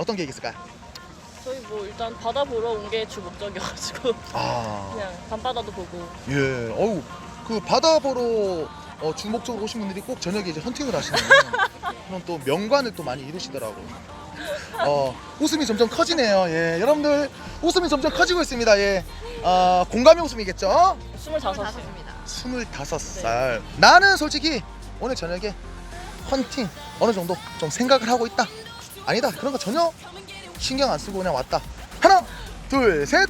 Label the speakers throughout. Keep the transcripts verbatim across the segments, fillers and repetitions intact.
Speaker 1: 어떤 계획 있을까요?
Speaker 2: 저희 뭐 일단 바다 보러 온 게 주 목적이어가지고
Speaker 1: 아,
Speaker 2: 그냥 밤바다도 보고.
Speaker 1: 예. 어우, 그 바다 보러 어, 주목적으로 오신 분들이 꼭 저녁에 이제 헌팅을 하시네요. 그럼 또 명관을 또 많이 이루시더라고요. 어, 웃음이 점점 커지네요. 예, 여러분들 웃음이 점점 커지고 있습니다. 예, 어, 공감의 웃음이겠죠?
Speaker 2: 스물다섯입니다.
Speaker 1: 스물다섯 살. 나는 솔직히 오늘 저녁에 헌팅 어느 정도 좀 생각을 하고 있다. 아니다, 그런 거 전혀 신경 안 쓰고 그냥 왔다. 하나, 둘, 셋.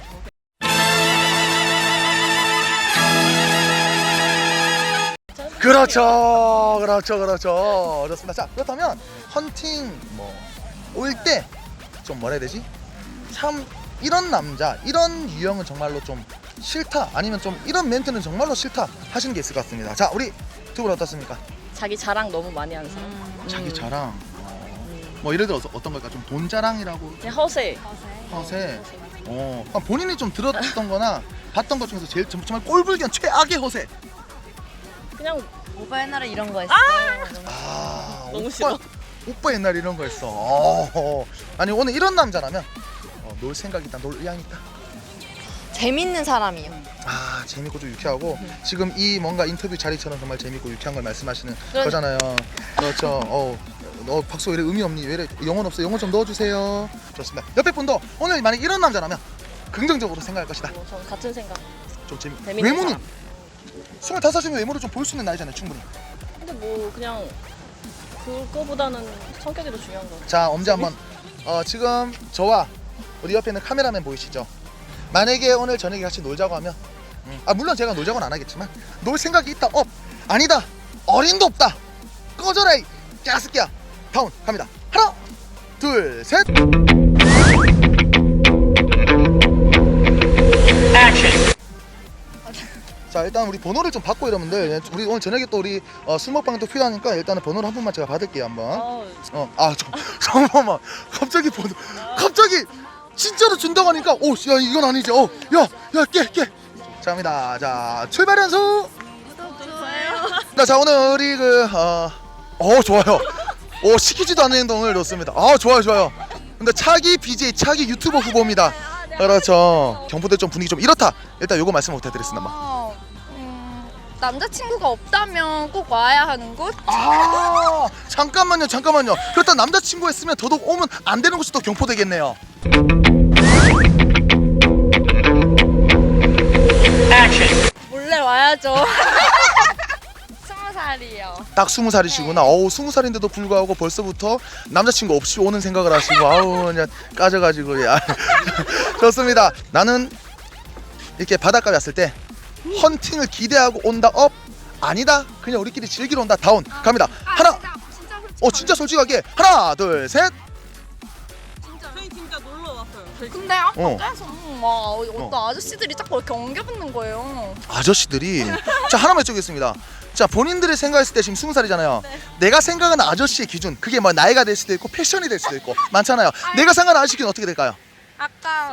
Speaker 1: 그렇죠, 그렇죠, 그렇죠. 좋습니다. 자, 그렇다면 헌팅 뭐 올 때 좀 뭐라 해야 되지? 참 이런 남자, 이런 유형은 정말로 좀 싫다, 아니면 좀 이런 멘트는 정말로 싫다 하시는 게 있을 것 같습니다. 자, 우리 두 분 어떻습니까?
Speaker 2: 자기 자랑 너무 많이 하는 사람.
Speaker 3: 음.
Speaker 1: 자기
Speaker 2: 음.
Speaker 1: 자랑. 어, 뭐 예를 들어서 어떤 걸까? 좀 돈 자랑이라고.
Speaker 2: 그냥 허세.
Speaker 1: 허세. 어, 그럼 본인이 좀 들었던 거나 봤던 것 중에서 제일 정- 정말 꼴불견 최악의 허세.
Speaker 2: 그냥
Speaker 3: 오빠 옛날에 이런 거 했어.
Speaker 1: 아,
Speaker 2: 너무
Speaker 1: 오빠,
Speaker 2: 싫어.
Speaker 1: 오빠 옛날 이런 거 했어. 어, 아니 오늘 이런 남자라면 어, 놀 생각 있다, 놀 의향 있다.
Speaker 3: 재밌는 사람이요.
Speaker 1: 아, 재밌고 좀 유쾌하고 지금 이 뭔가 인터뷰 자리처럼 정말 재밌고 유쾌한 걸 말씀하시는
Speaker 2: 그런-
Speaker 1: 거잖아요. 그렇죠. 어, 너 박수 왜 이래 의미 없니? 왜 이래 영혼 없어? 영혼 좀 넣어주세요. 좋습니다. 옆에 분도 오늘 만약 이런 남자라면 긍정적으로 생각할 것이다.
Speaker 2: 뭐 저는 같은 생각.
Speaker 1: 좀 재미.
Speaker 2: 재밌는
Speaker 1: 외모는
Speaker 2: 사람.
Speaker 1: 스물다섯이면 외모를 좀 볼 수 있는 나이잖아요, 충분히.
Speaker 2: 근데 뭐 그냥 그거보다는 성격이 더 중요한 거 같아요.
Speaker 1: 자, 엄지 한번. 어, 지금 저와 우리 옆에 있는 카메라맨 보이시죠? 만약에 오늘 저녁에 같이 놀자고 하면, 음, 아 물론 제가 놀자고는 안 하겠지만 놀 생각이 있다, 업, 아니다, 어림도 없다, 꺼져라 이 야스끼야. 다운 갑니다. 하나, 둘, 셋. 자, 일단 우리 번호를 좀 받고 여러분들, 우리 오늘 저녁에 또 우리 어, 술 먹방도 필요하니까 일단은 번호를 한 번만 제가 받을게요 한번.
Speaker 2: 아,
Speaker 1: 어, 아, 저, 잠깐만. 갑자기 번호, 갑자기 진짜로 준다고 하니까, 오, 야, 이건 아니지. 어, 야, 야, 깨, 깨. 자, 갑니다. 자, 출발 연수. 자, 자, 오늘 우리 그, 어, 어, 좋아요. 오, 시키지도 않는 행동을 넣습니다. 아, 좋아요, 좋아요. 근데 차기 비제이, 차기 유튜버 후보입니다. 그렇죠. 경포대 좀 분위기 좀 이렇다. 일단 요거 말씀 부탁드리겠습니다. 뭐.
Speaker 3: 어, 음, 남자친구가 없다면 꼭 와야 하는 곳?
Speaker 1: 아, 잠깐만요, 잠깐만요. 그렇다 남자친구 했으면 더더욱 오면 안 되는 곳이 또 경포대겠네요.
Speaker 3: 몰래 와야죠. 스무 살이요.
Speaker 1: 딱 스무 살이시구나. 어우, 스무 살인데도 불구하고 벌써부터 남자친구 없이 오는 생각을 하시고, 아우 그냥 까져가지고. 야. 좋습니다. 나는 이렇게 바닷가에 왔을 때 헌팅을 기대하고 온다, 업, 아니다, 그냥 우리끼리 즐기러 온다, 다운. 갑니다. 하나,
Speaker 3: 진짜, 진짜 솔직히
Speaker 1: 어 진짜 솔직하게 하나, 둘, 셋.
Speaker 4: 저희 진짜 놀러 왔어요.
Speaker 3: 근데 아까
Speaker 1: 어.
Speaker 3: 계속 막 어떤 아저씨들이 자꾸 이렇게 엉겨붙는 거예요.
Speaker 1: 아저씨들이. 자, 하나만 여쭤보겠습니다. 자, 본인들이 생각했을 때 지금 스무 살이잖아요. 내가 생각하는 아저씨의 기준, 그게 뭐 나이가 될 수도 있고 패션이 될 수도 있고 많잖아요. 내가 생각하는 아저씨 기준 어떻게 될까요?
Speaker 3: 아까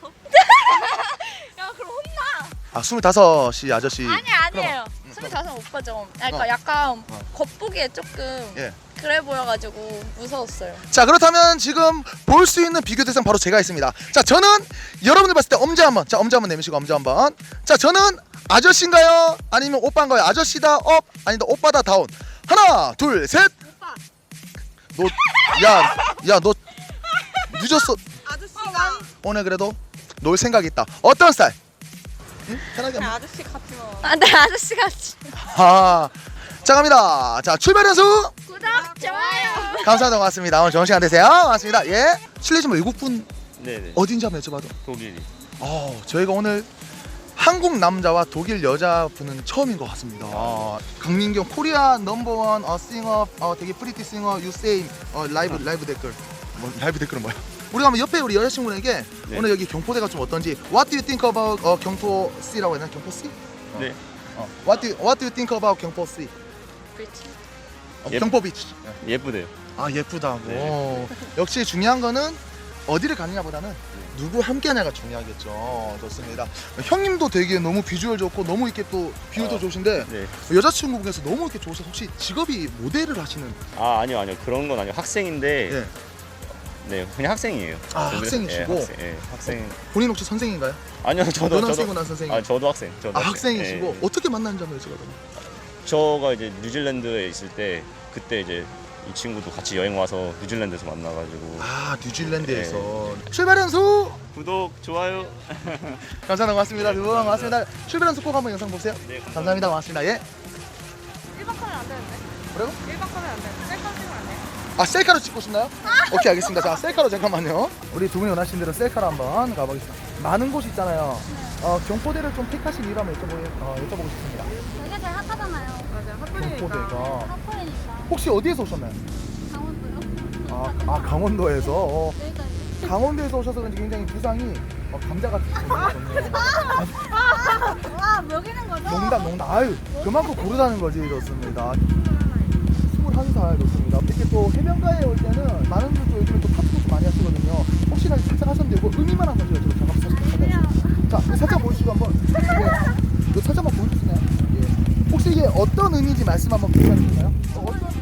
Speaker 3: 야 그럼 혼나.
Speaker 1: 아, 스물다섯이 아저씨.
Speaker 3: 아니 아니에요.
Speaker 1: 음,
Speaker 3: 스물다섯 오빠죠. 그러니까
Speaker 1: 어.
Speaker 3: 약간
Speaker 1: 어.
Speaker 3: 겉보기에 조금
Speaker 1: 예.
Speaker 3: 그래 보여가지고 무서웠어요.
Speaker 1: 자, 그렇다면 지금 볼 수 있는 비교 대상 바로 제가 있습니다. 자, 저는 여러분들 봤을 때 엄지 한번, 자 엄지 한번 내미시고 엄지 한번. 자, 저는 아저씨인가요? 아니면 오빠인가요? 아저씨다, 업, 아니다, 오빠다, 다운. 하나, 둘, 셋.
Speaker 3: 오빠.
Speaker 1: 너, 야, 야, 너 늦었어.
Speaker 4: 아저씨가
Speaker 1: 오늘 그래도 놀 생각 있다. 어떤 스타일? 응? 편하게
Speaker 4: 그냥
Speaker 1: 한번.
Speaker 4: 아저씨 같으면
Speaker 3: 아, 네 아저씨 같이.
Speaker 1: 아, 자 갑니다. 자, 출발 연수.
Speaker 3: 구독 좋아요.
Speaker 1: 감사합니다. 고맙습니다. 오늘 좋은 시간 되세요. 고맙습니다. 예. 실례지만 외국 분
Speaker 5: 네네.
Speaker 1: 어딘지 한번 여쭤봐도.
Speaker 5: 독일이.
Speaker 1: 어, 저희가 오늘 한국 남자와 독일 여자분은 처음인 것 같습니다. 아, 강민경 코리아 넘버원 어, 싱어, 어, 되게 프리티 싱어 유세임 어, 라이브 라이브 댓글. 뭐 라이브 댓글은 뭐야? 우리가 한번 옆에 우리 여자친구에게
Speaker 5: 네.
Speaker 1: 오늘 여기 경포대가 좀 어떤지 What do you think about 어, 경포 C라고 했나? 경포 C? 어.
Speaker 5: 네.
Speaker 1: 어. What do you, What do you think about 경포 C? 어,
Speaker 5: 예.
Speaker 1: 경포 비치.
Speaker 5: 예쁘대요.
Speaker 1: 아, 예쁘다고.
Speaker 5: 네.
Speaker 1: 역시 중요한 거는 어디를 가느냐보다는 누구 함께하냐가 중요하겠죠. 좋습니다. 형님도 되게 너무 비주얼 좋고 너무 이렇게 또 비율도
Speaker 5: 어.
Speaker 1: 좋으신데
Speaker 5: 네.
Speaker 1: 여자친구분께서 너무 이렇게 좋으셔서 혹시 직업이 모델을 하시는?
Speaker 5: 아 아니요 아니요 그런 건 아니요 학생인데
Speaker 1: 예.
Speaker 5: 네, 그냥 학생이에요.
Speaker 1: 아,
Speaker 5: 그래서-
Speaker 1: 학생이시고?
Speaker 5: 예, 학생, 예, 학생.
Speaker 1: 본인 혹시 선생인가요?
Speaker 5: 아니요, 저도
Speaker 1: 연학생이고
Speaker 5: 저도.
Speaker 1: 난 선생님.
Speaker 5: 아, 저도 학생. 저도
Speaker 1: 아,
Speaker 5: 학생.
Speaker 1: 학생이시고
Speaker 5: 예, 예.
Speaker 1: 어떻게 만났는지 한번 여쭤봐도
Speaker 5: 저가 이제 뉴질랜드에 있을 때 그때 이제 이 친구도 같이 여행 와서 뉴질랜드에서 만나가지고.
Speaker 1: 아, 뉴질랜드에서 출발 연수
Speaker 5: 구독, 좋아요.
Speaker 1: 감사합니다. 고맙습니다. 두 분 고맙습니다. 출발 연수 꼭 한번 영상 보세요.
Speaker 5: 네,
Speaker 1: 감사합니다. 고맙습니다. 예.
Speaker 4: 일반 카메라 안 되는데?
Speaker 1: 뭐라고?
Speaker 4: 일반 카메라 안 되는데? 셀카 찍으면 안 돼요?
Speaker 1: 아, 셀카로 찍고 싶나요? 오케이, 알겠습니다. 자, 셀카로 잠깐만요. 우리 두 분이 원하신 대로 셀카로 한번 가보겠습니다. 많은 곳이 있잖아요. 어, 경포대를 좀 택하신 이유 한번 여쭤보, 어, 여쭤보고 싶습니다.
Speaker 3: 여기가 제일 핫하잖아요.
Speaker 4: 맞아, 핫플이니까.
Speaker 1: 경포대가
Speaker 3: 핫플이니까.
Speaker 1: 혹시 어디에서 오셨나요?
Speaker 3: 강원도요?
Speaker 1: 아, 아 강원도에서. 어,
Speaker 3: 여기가 이제.
Speaker 1: 강원도에서 오셔서 그런지 굉장히 부상이 어, 감자같이 생겼거든요.
Speaker 3: 와, 먹이는 거죠?
Speaker 1: 농담, 농담. 아유, 그만큼 고르다는 거지, 좋습니다. 스물한 살 좋습니다. 이렇게 또 해변가에 올 때는 많은 분들 요즘에 또 타투도 많이 하시거든요. 혹시나 살짝 하셨는데 이거 의미만 한번 제가 좀 잠깐 살짝 보여주세요. 자, 살짝 보여주시고 한번. 네. 이거 살짝만 보여주시나요? 예. 혹시 이게 어떤 의미인지 말씀 한번 부탁드릴까요? 어, 어떤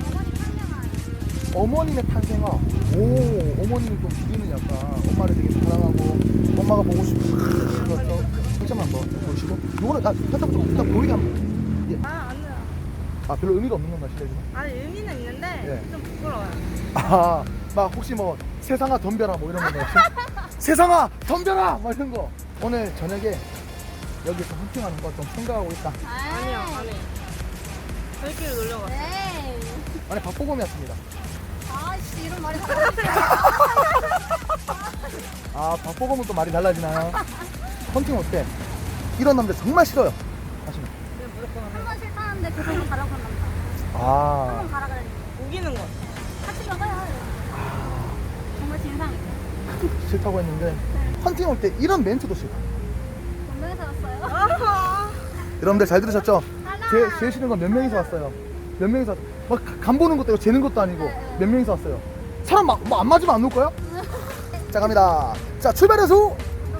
Speaker 1: 어머님의 탄생아. 오, 어머님이 좀 기리는 약간 엄마를 되게 사랑하고 엄마가 보고 싶고 그렇죠. 살짝만 한번 보시고 요거는 나 살짝 좀 일단 보이게 한번. 예.
Speaker 4: 아, 안 돼요.
Speaker 1: 아, 별로 의미가 없는 건가 실례지만.
Speaker 4: 아니, 의미는 있는데
Speaker 1: 네.
Speaker 4: 좀 부끄러워요.
Speaker 1: 아, 막 혹시 뭐 세상아 덤벼라 뭐 이런 거 없이? 세상아 덤벼라 뭐 이런 거. 오늘 저녁에 여기서 헌팅하는 거 좀 생각하고 있다.
Speaker 4: 아니요, 아니요. 저희끼리 놀러 갔어요.
Speaker 3: 네.
Speaker 1: 아니 박보검이었습니다.
Speaker 3: 아씨, 이런 말이 달라요.
Speaker 1: 아, 박보검은 또 말이 달라지나요? 헌팅 어때? 이런 남자 정말 싫어요. 하시면.
Speaker 4: 그냥 무조건 하면.
Speaker 3: 한번 싫다는데 그걸로 가라고 한 남자.
Speaker 1: 아,
Speaker 3: 한번 가라 그랬는데.
Speaker 4: 우기는 거.
Speaker 3: 같이 가봐요. 정말 진상이죠.
Speaker 1: 싫다고 했는데 헌팅 올 때 이런 멘트도 싫다.
Speaker 3: 운동에서 왔어요.
Speaker 4: 아하.
Speaker 1: 여러분들 잘 들으셨죠?
Speaker 3: 하나.
Speaker 1: 제, 제일 싫은 건 몇 명이서 왔어요. 몇 명이서 왔어요. 막간 보는 것도 아니고 재는 것도 아니고 몇 명이서 왔어요. 사람 막 뭐 안 맞으면 안 놓을 거야? 자, 갑니다. 자, 출발해서.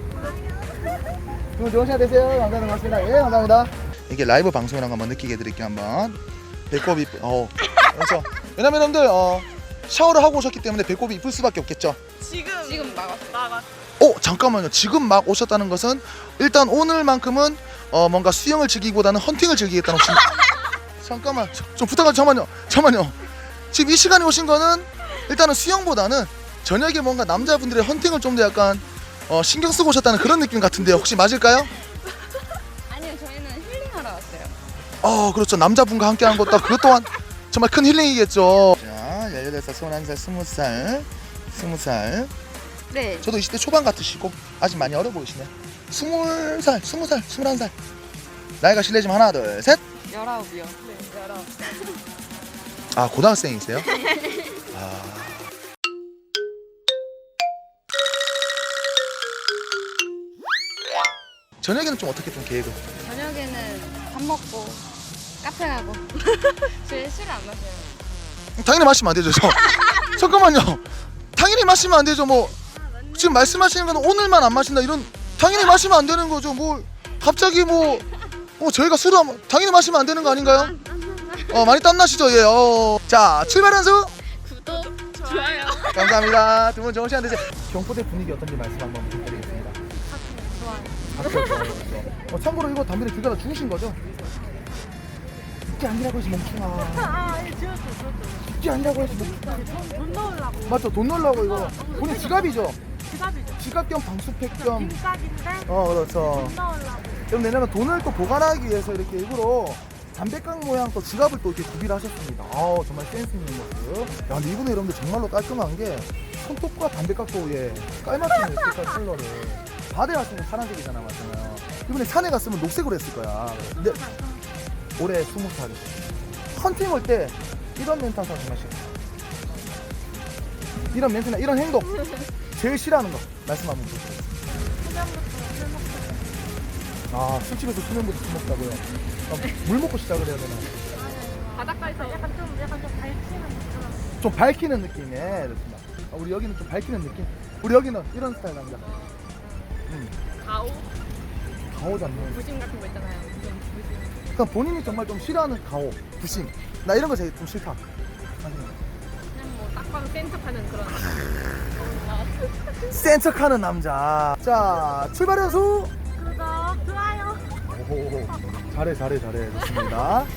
Speaker 1: 오늘 좋은 시간 되세요. 감사합니다. 고맙습니다. 예, 감사합니다. 이게 라이브 방송이라는 거 한번 느끼게 해드릴게요. 한번 배꼽이 어 그렇죠. 왜냐면 여러분들 어 샤워를 하고 오셨기 때문에 배꼽이 이쁠 수밖에 없겠죠.
Speaker 4: 지금. 지금 나갔어. 나갔어.
Speaker 1: 어, 잠깐만요. 지금 막 오셨다는 것은 일단 오늘만큼은 어 뭔가 수영을 즐기기보다는 헌팅을 즐기겠다는 혹시 잠깐만 저- 좀 부탁할 잠깐만요. 잠깐만요. 지금 이 시간에 오신 거는 일단은 수영보다는 저녁에 뭔가 남자분들의 헌팅을 좀 더 약간 어 신경 쓰고 오셨다는 그런 느낌 같은데요. 혹시 맞을까요?
Speaker 2: 아니요, 저희는 힐링하러 왔어요.
Speaker 1: 어, 그렇죠. 남자분과 함께 한 것도 그것 또한 정말 큰 힐링이겠죠. 자, 열여덟 살, 스물한 살, 스무 살, 스무 살.
Speaker 2: 네.
Speaker 1: 저도 이십 대 초반 같으시고 아직 많이 어려 보이시네요. 스물 살, 스무 살, 스물한 살. 나이가 실례지만 하나, 둘, 셋.
Speaker 2: 열아홉이요. 네, 열아홉.
Speaker 1: 아, 고등학생이세요? 아. 저녁에는 좀 어떻게 좀 계획을?
Speaker 2: 저녁에는 밥 먹고 카페 가고. 저희 술을 안 마셔요.
Speaker 1: 당연히 마시면 안 되죠. 저. 잠깐만요. 당연히 마시면 안 되죠. 뭐 지금 말씀하시는 건 오늘만 안 마신다 이런 당연히 마시면 안 되는 거죠. 뭐 갑자기 뭐, 뭐 저희가 술을 안, 당연히 마시면 안 되는 거 아닌가요? 어, 많이 땀나시죠? 예. 어. 자, 출발한 수.
Speaker 2: 구독, 좋아요.
Speaker 1: 감사합니다. 두 분 좋은 시간 되세요. 경포대 분위기 어떤지 말씀 한번 부탁드리겠습니다. 좋아요. 좋아요. 어, 참고로 이거 담배를 길 가다 죽으신 거죠? 죽지 않으라고 해서 멈추마.
Speaker 4: 아, 예, 지웠어, 지웠어.
Speaker 1: 죽지 않으라고 해서 멈추마.
Speaker 4: 돈 넣으려고.
Speaker 1: 맞죠? 돈 넣으려고 이거. 본인 지갑이죠?
Speaker 4: 지갑이죠.
Speaker 1: 지갑 겸 방수팩 겸.
Speaker 4: 빈값인데
Speaker 1: 어, 그렇죠.
Speaker 4: 돈 넣으려고.
Speaker 1: 그럼 내년은 돈을 또 보관하기 위해서 이렇게 일부러 담배깡 모양 또 지갑을 또 이렇게 구비를 하셨습니다. 아우, 정말 센스 있는 모습. 야, 근데 이분은 여러분들 정말로 깔끔한 게 손톱과 담배깍도 예 깔맞춤 색깔 컬러를 바다에 갔으면 파란색이잖아, 맞잖아요. 이번에 산에 갔으면 녹색으로 했을 거야. 근데 올해 스무 살. 헌팅 올 때 이런 멘트 하면 정말 싫어. 이런 멘트나 이런 행동 제일 싫어하는 거 말씀 한번 주세요. 아, 술집에서 수면부터 술 먹다고요? 아, 물 먹고 시작을 해야 되나?
Speaker 4: 바닷가에서 약간 좀, 약간 좀 밝히는 느낌.
Speaker 1: 좀 밝히는 느낌에 좋습니다. 아, 우리 여기는 좀 밝히는 느낌? 우리 여기는 이런 스타일 남자. 음,
Speaker 2: 가오,
Speaker 1: 가오 잡는.
Speaker 2: 부심 같은 거 있잖아요. 좀 부심.
Speaker 1: 그러니까 본인이 정말 좀 싫어하는 가오, 부심. 나 이런 거 제일 좀 싫다. 아니,
Speaker 2: 그냥 뭐 딱 봐도 센 척하는 그런.
Speaker 1: 센 척하는 남자. 자, 출발 연수.
Speaker 4: 구독, 좋아요.
Speaker 1: 오, 잘해 잘해 잘해. 좋습니다.